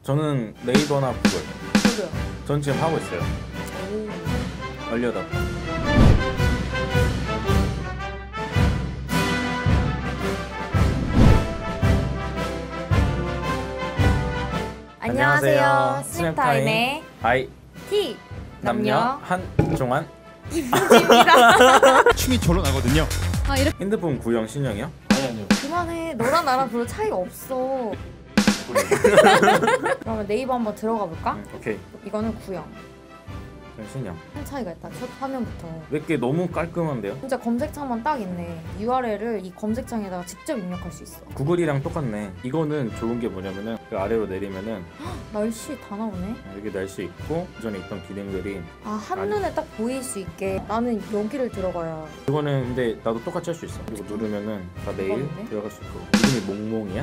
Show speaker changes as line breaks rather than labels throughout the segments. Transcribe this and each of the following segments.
저는 네이버나 구글.
저도요.
전 지금 하고 있어요. 알려다.
안녕하세요. 스냅타임의
아이
T
남녀 한종환
입니다.
춤이 절로 나거든요.
아 이렇게
핸드폰 구형 신형이요?
아니요.
그만해. 너랑 나랑 별로 차이가 없어. 그러면 네이버 한번 들어가 볼까?
오케이.
이거는 구형.
신형.
큰 차이가 있다. 첫 화면부터.
몇 개 너무 깔끔한데요?
진짜 검색창만 딱 있네. URL을 이 검색창에다가 직접 입력할 수 있어.
구글이랑 똑같네. 이거는 좋은 게 뭐냐면은 그 아래로 내리면은
날씨 다 나오네.
여기 날씨 있고 기존에 있던 기능들이.
아 한눈에 딱 보일 수 있게. 나는 여기를 들어가야.
이거는 근데 나도 똑같이 할 수 있어. 그리고 누르면은 다 내일
대박인데?
들어갈 수 있고. 이름이 몽몽이야?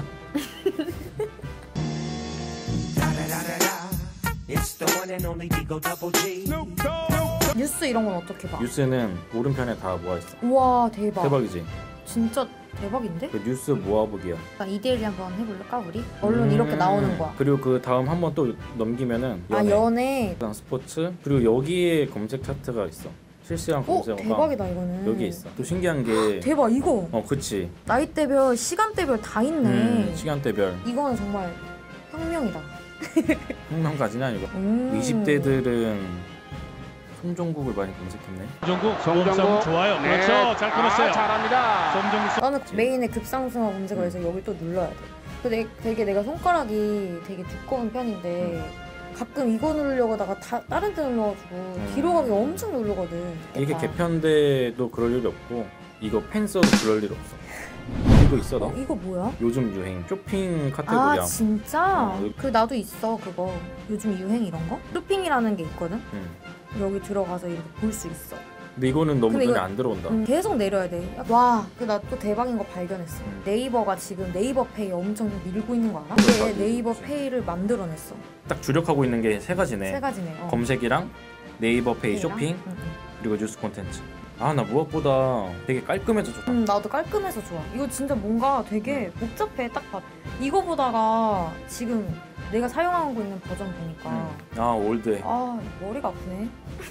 뉴스 이런 건 어떻게 봐?
뉴스는 오른편에 다 모아있어.
우와 대박.
대박이지?
진짜 대박인데?
그 뉴스 모아보기야.
약간 2대1이 한번 해볼까 우리? 언론 이렇게 나오는 거야.
그리고 그 다음 한 번 또 넘기면은
아 연애.
그다음 스포츠. 그리고 여기에 검색 차트가 있어. 실시간 검색어가
대박이다 이거는.
여기 있어. 또 신기한 게
대박 이거.
그치.
나이대별 시간대별 다 있네.
시간대별.
이거는 정말 혁명이다.
혁명까지는 아니고 20대들은 송종국을 많이 검색했네.
송종국 좋아요.
네.
그렇죠. 잘 끊었어요.
잘합니다.
송종국
나는 메인에 급상승화 검색을 해서 여기 또 눌러야 돼. 근데 되게 내가 손가락이 되게 두꺼운 편인데 가끔 이거 누르려고 하다가 다른 데 눌러가지고 뒤로 가기 엄청 누르거든.
이게 개편돼도 그럴 일이 없고 이거 펜 써도 그럴 일 없어. 이거 있어 너?
이거 뭐야?
요즘 유행 쇼핑 카테고리야.
아 진짜?
여기.
그 나도 있어 그거. 요즘 유행 이런 거? 쇼핑이라는 게 있거든?
응.
여기 들어가서 이렇게 볼 수 있어.
근데 이거는 너무
근데
눈에
이거-
안 들어온다.
계속 내려야 돼. 와, 그 나 또 대박인 거 발견했어. 네이버가 지금 네이버 페이 엄청 밀고 있는 거 알아?
그래,
이게 네이버
그렇지.
페이를 만들어냈어.
딱 주력하고 있는 게 세 가지네.
세 가지네.
검색이랑 네이버 페이
페이랑?
쇼핑
응, 응.
그리고 뉴스 콘텐츠. 아 나 무엇보다 되게 깔끔해서 좋다.
나도 깔끔해서 좋아. 이거 진짜 뭔가 되게 복잡해. 딱 봐. 이거 보다가 지금 내가 사용하고 있는 버전 보니까
아 올드해.
아 머리가 아프네.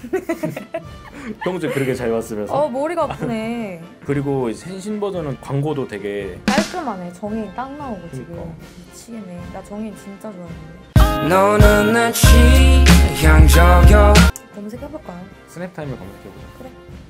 평소에 그렇게 잘 봤으면서.
머리가 아프네.
그리고 이제 생신 버전은 광고도 되게
깔끔하네. 정혜인 딱 나오고 지금
그러니까.
미치겠네. 나 정혜인 진짜 좋아했는데.
너는 내 취향 저격
검색해볼까요?
스냅타임을 검색해보자.
그래.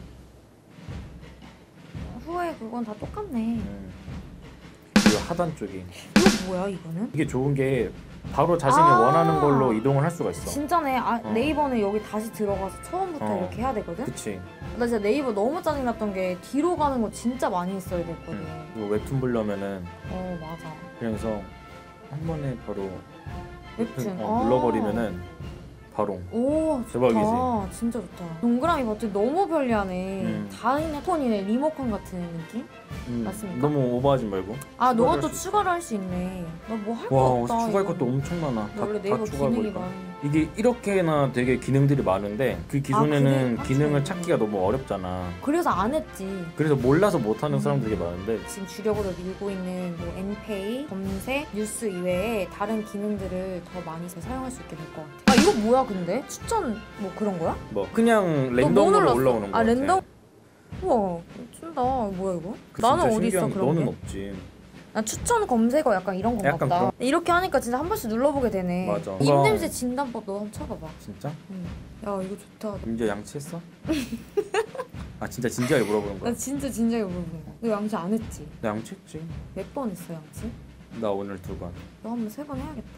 후에 그건 다 똑같네.
그리고 하단 쪽이
이거 뭐야 이거는?
이게 좋은 게 바로 자신이
아.
원하는 걸로 이동을 할 수가 있어.
진짜네. 네이버는 여기 다시 들어가서 처음부터
어.
이렇게 해야 되거든?
그치.
나 진짜 네이버 너무 짜증났던 게 뒤로 가는 거 진짜 많이 했어야 됐거든.
이거 웹툰 보려면은
맞아.
그래서 한 번에 바로
웹툰.
눌러버리면은 바로.
오 좋다.
대박이지?
진짜 좋다. 동그라미 버튼 너무 편리하네. 다 있네. 폰이네. 리모컨 같은 느낌? 맞습니까?
너무 오버하지 말고.
아 너가
추가를
또
할 수
추가를 할 수 있네. 너 뭐 할 거
와
없다.
추가할
이거.
것도 엄청 많아.
원래
다
네이버
추가하고
기능이
있다.
많이.
이게 이렇게나 되게 기능들이 많은데 그 기존에는
그래?
기능을
맞지.
찾기가 너무 어렵잖아.
그래서 안 했지.
그래서 몰라서 못하는 사람들이 되게 많은데
지금 주력으로 밀고 있는 뭐 엔페이, 검색, 뉴스 이외에 다른 기능들을 더 많이 사용할 수 있게 될 것 같아. 아 이거 뭐야 근데? 추천 뭐 그런 거야?
뭐 그냥
너 뭐
랜덤으로
눌렀어?
올라오는 거
아
같아.
랜덤? 우와 준다. 뭐야 이거?
그
나는
진짜
어디 있어
신기한 게
그런
너는
게?
없지.
나 추천 검색어 약간 이런 건가
약간
보다.
그런-
이렇게 하니까 진짜 한 번씩 눌러보게 되네.
맞아.
입냄새 진단법 너 한번 쳐봐봐.
진짜?
야 이거 좋다.
이제 양치했어? 아 진짜 진지하게 물어보는 거야.
나 진짜 진작에 물어보는 거야. 너 양치 안 했지?
나 양치했지.
몇 번 했어 양치?
나 오늘 2번.
너 한번 3번 해야겠다.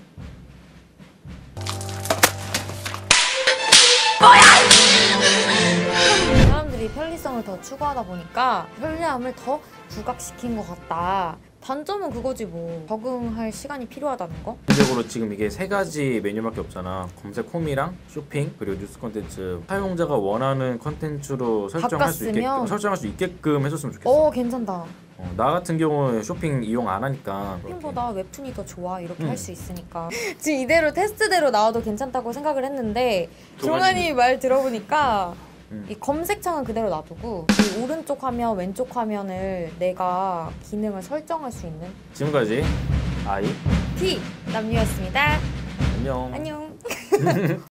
사람들이 편리성을 더 추구하다 보니까 편리함을 더 부각시킨 것 같다. 단점은 그거지 뭐. 적응할 시간이 필요하다는 거?
기본적으로 지금 이게 세 가지 메뉴밖에 없잖아. 검색 홈이랑 쇼핑 그리고 뉴스 콘텐츠. 사용자가 원하는 콘텐츠로
바꿨으면?
설정할 수 있게끔 해줬으면 좋겠어.
괜찮다.
나 같은 경우는 쇼핑 이용 안 하니까.
쇼핑보다 웹툰이 더 좋아 이렇게
응.
할 수 있으니까. 지금 이대로 테스트대로 나와도 괜찮다고 생각을 했는데 종환이 말 들어보니까 이 검색창은 그대로 놔두고 이 오른쪽 화면, 왼쪽 화면을 내가 기능을 설정할 수 있는
지금까지 아이
T 남유였습니다.
안녕.
안녕.